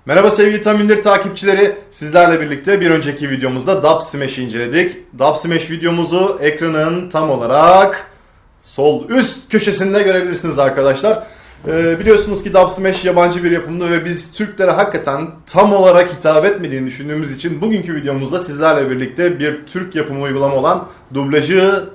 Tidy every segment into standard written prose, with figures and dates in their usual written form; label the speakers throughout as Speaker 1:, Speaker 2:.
Speaker 1: Merhaba sevgili Tam İndir takipçileri. Sizlerle birlikte bir önceki videomuzda Dub Smash'i inceledik. Dub Smash videomuzu ekranın tam olarak sol üst köşesinde görebilirsiniz arkadaşlar. Biliyorsunuz ki Dub Smash yabancı bir yapımdı ve biz Türklere hakikaten tam olarak hitap etmediğini düşündüğümüz için bugünkü videomuzda sizlerle birlikte bir Türk yapımı uygulama olan dublajı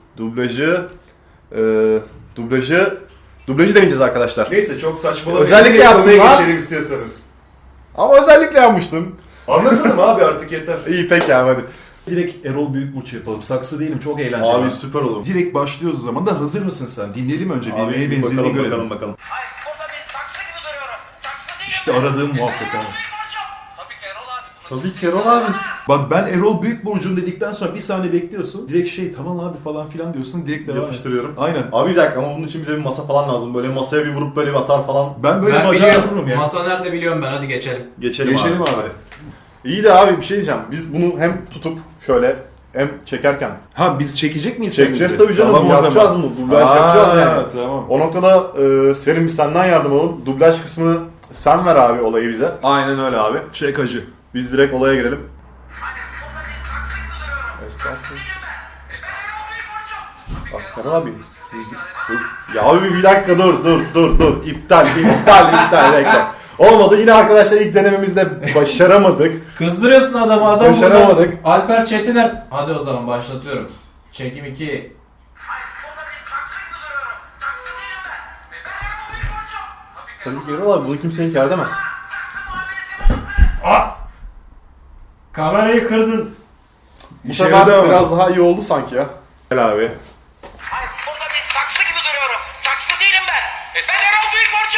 Speaker 1: deneyeceğiz arkadaşlar.
Speaker 2: Neyse çok saçmalamayın.
Speaker 1: Özellikle yaptım ha.
Speaker 2: Geçelim istiyorsanız.
Speaker 1: Ama özellikle yapmıştım.
Speaker 2: Anlatalım abi artık yeter.
Speaker 1: İyi peki abi hadi.
Speaker 3: Direkt Erol Büyükburç yapalım. Saksı değilim, çok eğlenceli.
Speaker 1: Abi süper olur.
Speaker 3: Direkt başlıyoruz o zaman da hazır mısın sen? Dinleyelim önce bir
Speaker 1: Abi
Speaker 3: neye benzediğini
Speaker 1: bakalım
Speaker 3: görelim.
Speaker 1: bakalım.
Speaker 4: Hayır, burada bir saksı gibi duruyorum. Saksı değilim
Speaker 3: İşte
Speaker 4: ben.
Speaker 3: aradığım muhabbet abi.
Speaker 4: Tabii ki Erol abi.
Speaker 1: Tabii ki Erol abi.
Speaker 3: Bak ben Erol Büyükburcu'm dedikten sonra bir saniye bekliyorsun. Direkt tamam abi falan filan diyorsun. Direkt devam et.
Speaker 1: Yatıştırıyorum.
Speaker 3: Aynen.
Speaker 1: Abi bir dakika ama bunun için bize bir masa falan lazım. Böyle masaya bir vurup böyle bir atar falan.
Speaker 3: Ben böyle
Speaker 5: Ben
Speaker 3: bacağı
Speaker 5: biliyorum.
Speaker 3: vururum ya.
Speaker 5: Masa nerede biliyorum ben, hadi geçelim.
Speaker 1: Geçelim
Speaker 3: abi.
Speaker 1: İyi de abi bir şey diyeceğim. Biz bunu hem tutup şöyle hem çekerken
Speaker 3: Ha biz çekecek miyiz?
Speaker 1: çekeceğiz
Speaker 3: kendimizi?
Speaker 1: tabii canım.
Speaker 3: Tamam o
Speaker 1: Yapacağız
Speaker 3: zaman.
Speaker 1: mı? Dublaj yapacağız yani.
Speaker 3: Tamam.
Speaker 1: O noktada senin biz senden yardım alalım. Dublaj kısmını sen ver abi olayı bize. Aynen öyle abi.
Speaker 3: Çek hacı.
Speaker 1: Biz direkt olaya girelim.
Speaker 4: Hayır, burada bir saksı gibi duruyorum.
Speaker 1: Estağfurullah.
Speaker 4: Ben Erol Büyükburcu.
Speaker 1: Bak Erol abi. Dur. Ya abi bir dakika dur. İptal. Bekle. Olmadı. Yine arkadaşlar ilk denememizde başaramadık.
Speaker 5: Kızdırıyorsun adamı, adam
Speaker 1: Başaramadık.
Speaker 5: burada. Alper Çetiner. Hadi o zaman başlatıyorum. Çekim 2.
Speaker 4: Hayır, burada bir saksı gibi duruyorum. Saksı değilim ben. Ben Erol Büyükburcu.
Speaker 1: Tabii ki Erol abi bunu kimse inkar edemez.
Speaker 4: Saksı muamelesi yapamazsınız.
Speaker 5: Kamerayı kırdın.
Speaker 1: Bu
Speaker 3: İşe
Speaker 1: sefer
Speaker 3: yaradı ama.
Speaker 1: biraz daha iyi oldu sanki ya. Gel abi.
Speaker 4: Hayır, burada bir saksı gibi duruyorum. Saksı değilim ben. Ben Erol Büyükburcu.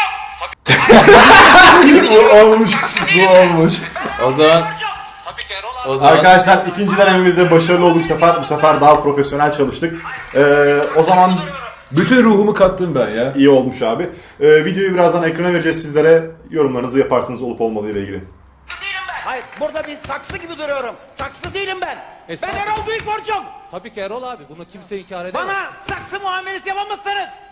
Speaker 1: Bu olmuş.
Speaker 5: O zaman
Speaker 4: Tabii ki Erol abi.
Speaker 5: o zaman
Speaker 1: Arkadaşlar ikinci denememizde başarılı olduk bu sefer daha profesyonel çalıştık. O zaman
Speaker 3: Bütün ruhumu kattım ben ya.
Speaker 1: iyi olmuş abi. Videoyu birazdan ekrana vereceğiz sizlere. Yorumlarınızı yaparsınız olup olmadığı ile ilgili.
Speaker 4: Saksı değilim ben. Hayır, burada bir saksı gibi duruyorum. Saksı değilim ben. Ben Erol Büyükburcu.
Speaker 6: Tabii ki Erol abi, bunu kimse inkar edemez.
Speaker 4: Bana saksı muamelesi yapamazsınız.